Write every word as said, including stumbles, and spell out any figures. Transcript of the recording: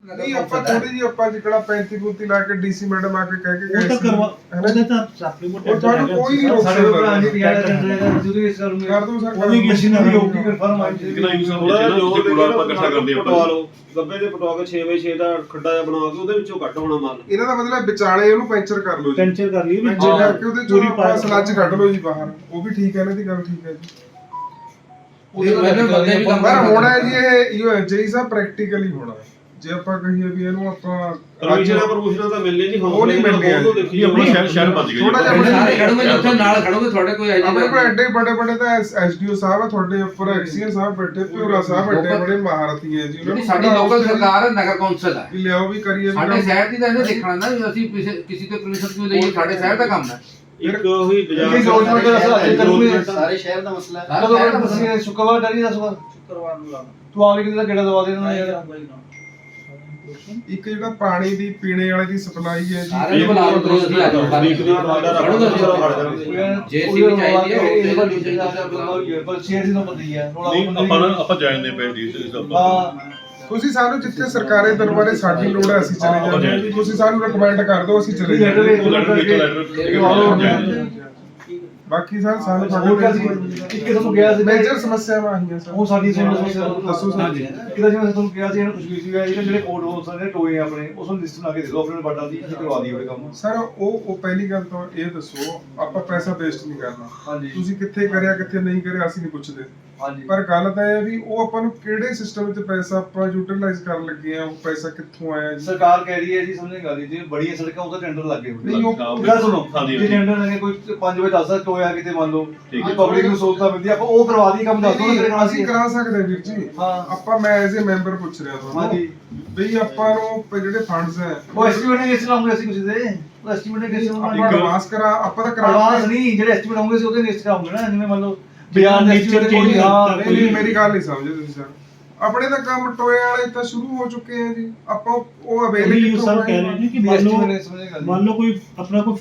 ਨਹੀਂ ਆਪਾਂ ਥੋੜੀ ਜੀ ਆਪਾਂ ਜਿਹੜਾ ਪੈਂਤੀ ਪੂਤੀ ਲਾ ਕੇ ਡੀਸੀ ਮੈਡਮ ਆ ਕੇ ਕਹਿ ਕੇ ਗਏ ਉਹ ਤਾਂ ਕਰਵਾ ਉਹਦੇ ਤਾਂ ਉਹ ਤੁਹਾਨੂੰ ਕੋਈ ਨਹੀਂ ਰੋਕ ਸਾਡੇ ਸਕਦਾ ਭਰਾ ਜੀ ਤਿਆਰ ਕਰ ਜਦੋਂ ਇਸ ਕਰੂੰਗੇ ਕਰ ਦੋ ਸਰ ਉਹਦੀ ਮਸ਼ੀਨਰੀ ਹੋਊਗੀ ਕਨਫਰਮ ਆ ਜੀ ਕਿੰਨਾ ਯੂਜ਼ ਹੁੰਦਾ ਹੈ ਜੋ ਪੂਰਾ ਆਪਾਂ ਇਕੱਠਾ ਕਰਦੇ ਹਾਂ ਪਟਵਾ ਲਓ ਗੱਬੇ ਦੇ ਪਟਵਾ ਕੇ ਛੇ ਬਾਈ ਛੇ ਦਾ ਖੱਡਾ ਜਿਹਾ ਬਣਾ ਕੇ ਉਹਦੇ ਵਿੱਚੋਂ ਕੱਢ ਹੋਣਾ ਮਾਲ। ਇਹਨਾਂ ਦਾ ਮਤਲਬ ਵਿਚਾਲੇ ਉਹਨੂੰ ਪੈਂਚਰ ਕਰ ਲਓ ਜੀ ਪੈਂਚਰ ਕਰ ਲਈ ਵੀ ਪੈਂਚਰ ਕਰਕੇ ਉਹਦੇ ਚੋਂ ਆਪਾਂ ਸਲੱਜ ਕੱਢ ਲਓ ਜੀ ਬਾਹਰ ਉਹ ਵੀ ਠੀਕ ਹੈ ਇਹਨਾਂ ਦੀ ਗੱਲ ਠੀਕ ਹੈ ਜੀ ਉਹਦੇ ਮੈਨੂੰ ਬੰਦੇ ਵੀ ਕੰਮ ਪਰ ਹੋਣਾ ਹੈ ਜੀ ਇਹ ਯੂ ਜੀ ਸਾਹਿਬ ਪ੍ਰੈਕਟੀਕਲੀ ਹੋਣਾ ਹੈ ਜੇ ਆਪਾਂ ਕਹੀਏ ਵੀ ਇਹਨੂੰ ਆਪਾਂ ਪਰਮਿਸ਼ਨਾਂ ਪਰਮਿਸ਼ਨਾਂ ਤਾਂ ਮਿਲਨੇ ਨਹੀਂ ਉਹ ਨਹੀਂ ਮਿਲਨੇ ਆ। ਦੇਖੀ ਆਪਣਾ ਸ਼ਹਿਰ ਸ਼ਹਿਰ ਬਚ ਗਿਆ ਥੋੜਾ ਜਿਹਾ ਆਪਣੇ ਸਾਰੇ ਖੜੋਗੇ ਉੱਥੇ ਨਾਲ ਖੜੋਗੇ ਤੁਹਾਡੇ ਕੋਈ ਹੈ ਆਪਣੇ ਕੋਲ ਐਡੇ ਬੜੇ ਬੜੇ ਤਾਂ ਐਸਡੀਓ ਸਾਹਿਬ ਆ ਤੁਹਾਡੇ ਉੱਪਰ ਐਕਸੀਅਨ ਸਾਹਿਬ ਬੈਠੇ ਪਿਉਰਾ ਸਾਹਿਬ ਬੈਠੇ ਬੜੇ ਮਹਾਰਥੀ ਹੈ ਜੀ ਜਿਹੜੀ ਸਾਡੀ ਲੋਕਲ ਸਰਕਾਰ ਹੈ ਨਗਰ ਕੌਂਸਲ ਹੈ ਵੀ ਲਿਆਓ ਵੀ ਕਰੀਏ ਸਾਡੇ ਸ਼ਹਿਰ ਦੀ ਤਾਂ ਇਹਨੇ ਦੇਖਣਾ ਨਾ ਵੀ ਅਸੀਂ ਕਿਸੇ ਕਿਸੇ ਤੋਂ ਪਰਮਿਸ਼ਨ ਕਿਉਂ ਲਈਏ ਸਾਡੇ ਸ਼ਹਿਰ ਦਾ ਕੰਮ ਹੈ ਇੱਕ ਉਹੀ ਇਹ ਗਵਰਨਮੈਂਟ ਦਾ ਅਸਰ ਕਰੂਗੇ ਸਾਰੇ ਸ਼ਹਿਰ ਦਾ ਮਸਲਾ ਹੈ। ਕਦੋਂ ਤੱਕ ਤੁਸੀਂ ਸ਼ੁੱਕਰਵਾਰ ਡਰੀ ਦਾ ਸ਼ੁੱਕਰਵਾਰ ਨੂੰ ਲਾਣਾ ਤੂੰ ਆਵੇ ਕਿਤੇ ਦਾ ਗੇੜਾ ਦਵਾ ਦੇ ਦੇਣਾ ਯਾਰ ਇੱਕ ਜਿਹੜਾ ਪਾਣੀ ਦੀ ਪੀਣੇ ਵਾਲੇ ਦੀ ਸਪਲਾਈ ਹੈ ਜੀ ਸਾਰੇ ਨੂੰ ਬੁਲਾ ਲਓ ਤੁਸੀਂ ਆ ਜਾਓ ਵੀਕਲੀ ਪ੍ਰੋਵਾਈਡਰ ਜੇਸੀਬੀ ਚਾਹੀਦੀ ਹੈ ਉਹ ਟੇਬਲ ਨਹੀਂ ਚਾਹੀਦਾ ਪਰ ਸ਼ੇਰ ਦੀ ਨੰਬਰ ਦੀ ਹੈ ਨਹੀਂ ਆਪਾਂ ਨਾ ਆਪਾਂ ਜਾਣਦੇ ਪਏ ਡੀ ਇਸ ਦਾ ਹਾਂ ਤੁਸੀਂ ਸਾਨੂੰ ਜਿੱਥੇ ਸਰਕਾਰੀ ਦਰਬਾਰੇ ਸਾਡੀ ਲੋੜ ਹੈ ਅਸੀਂ ਚਲੇ ਜਾਂਦੇ ਹਾਂ ਜੀ ਤੁਸੀਂ ਸਾਨੂੰ ਰეკਮੈਂਡ ਕਰ ਦਿਓ ਅਸੀਂ ਚਲੇ ਜਾਂਦੇ ਉਹ ਲੈਟਰ ਵਿੱਚ ਲੈਟਰ ਬਾਕੀ ਸਰ ਸਾਨੂੰ ਹੋਰ ਕਿਆ ਸੀ ਇੱਕ ਤੁਹਾਨੂੰ ਗਿਆ ਸੀ ਮੇਜਰ ਸਮੱਸਿਆਵਾਂ ਆਹੀਆਂ ਸਰ ਉਹ ਸਾਡੀ ਸਮੱਸਿਆ ਦੱਸੋ ਸਰ ਜੀ ਕਿਦਾਂ ਜਿਵੇਂ ਤੁਹਾਨੂੰ ਕਿਹਾ ਸੀ ਇਹਨੂੰ ਕੁਝ ਵੀ ਸੀਗਾ ਜਿਹੜੇ ਜਿਹੜੇ ਕੋਡ ਹੋ ਸਕਦੇ ਟੋਏ ਆਪਣੇ ਉਸ ਨੂੰ ਲਿਸਟ ਬਣਾ ਕੇ ਦੇ ਦਿਓ ਆਪਣੇ ਬਾਟਾ ਦੀ ਅਸੀਂ ਕਰਵਾ ਦਈਏ ਉਹ ਕੰਮ ਸਰ ਉਹ ਉਹ ਪਹਿਲੀ ਗੱਲ ਤਾਂ ਇਹ ਦੱਸੋ ਆਪਾਂ ਪੈਸਾ ਵੇਸਟ ਨਹੀਂ ਕਰਨਾ ਹਾਂਜੀ ਤੁਸੀਂ ਕਿੱਥੇ ਕਰਿਆ ਕਿੱਥੇ ਨਹੀਂ ਕਰਿਆ ਅਸੀਂ ਨਹੀਂ ਪੁੱਛਦੇ ਹਾਂਜੀ ਪਰ ਗੱਲ ਤਾਂ ਇਹ ਹੈ ਵੀ ਉਹ ਆਪਾਂ ਨੂੰ ਕਿਹੜੇ ਸਿਸਟਮ ਵਿੱਚ ਪੈਸਾ ਆਪਾਂ ਯੂਟਿਲਾਈਜ਼ ਕਰਨ ਲੱਗੇ ਆ ਉਹ ਪੈਸਾ ਕਿੱਥੋਂ ਆਇਆ ਜੀ ਸਰਕਾਰ ਕਹਿ ਰਹੀ ਹੈ ਜੀ ਸਮਝੇ ਗੱਲ ਜੀ ਬੜੀਆਂ ਸੜਕਾਂ ਉਹਦਾ ਟੈਂਡਰ ਲੱਗੇ ਹੋਏ ਨਹੀਂ ਉਹ ਗੱਲ ਸੁਣੋ ਹਾਂਜੀ, ਜੇ ਟੈਂਡਰ ਲੱਗੇ ਕੋਈ ਪੰਜ ਵਜੇ ਦਸ ਟੋਇਆ ਕਿਤੇ ਮੰਨ ਲਓ ਠੀਕ ਜੇ ਪਬਲਿਕ ਨੂੰ ਸਹੂਲਤਾਂ ਮਿਲਦੀ ਆਪਾਂ ਉਹ ਕਰਵਾ ਦੀ ਕੰਮ ਦੱਸ ਦਿਓ ਨਹੀਂ, ਕਿਹੜੇ ਨਾਲ ਅਸੀਂ ਕਰਾ ਸਕਦੇ ਵੀਰ ਜੀ ਹਾਂ। ਆਪਾਂ ਮੈਂ ਐਜ਼ ਅ ਮੈਂਬਰ ਪੁੱਛ ਰਿਹਾ ਤੁਹਾਨੂੰ ਹਾਂਜੀ ਬਈ ਆਪਾਂ ਨੂੰ ਪ- ਜਿਹੜੇ ਫੰਡਸ ਹੈ ਉਹ ਐਸਟੀਮੇਟ ਨੇ ਕਿਸ ਲਾਉਂਗੇ ਅਸੀਂ ਕਿਸੇ ਦੇ ਉਹ ਐਸਟੀਮੇਟ ਨੇ ਕਿਸ ਆਪਾਂ ਨੂੰ ਐਡਵਾਂਸ ਕਰਾ ਆਪਾਂ ਤਾਂ ਕਰਾ ਐਡਵਾਂਸ ਨਹੀਂ ਜਿਹੜੇ ਐਸਟੀਮੇਟ ਹੋਣਗੇ ਸੀ ਉਹਦੇ ਲਿਸਟ ਕਰਾਉਂਗੇ ਨਾ ਜਿਵੇਂ ਮੰਨ ਲਓ ਬਿਆਨ ਦੇ nature estimate change ਕੋਈ ਹਾਂ ਨਹੀਂ ਨਹੀਂ ਮੇਰੀ ਗੱਲ ਨਹੀਂ ਸਮਝੇ ਤੁਸੀਂ ਸਰ ਆਪਣੇ ਤਾਂ ਕੰਮ ਟੋਏ ਵਾਲੇ ਤਾਂ ਸ਼ੁਰੂ ਹੋ ਚੁੱਕੇ ਆ ਜੀ ਆਪਾਂ ਉਹ ਅਵੇਲ ਉਹੀ ਸਰ ਕਹਿ ਰਹੇ ਨੇ ਕਿ ਮੰਨ ਲਓ ਮੰਨ ਲਓ ਕੋਈ ਆਪਣਾ ਕੋਈ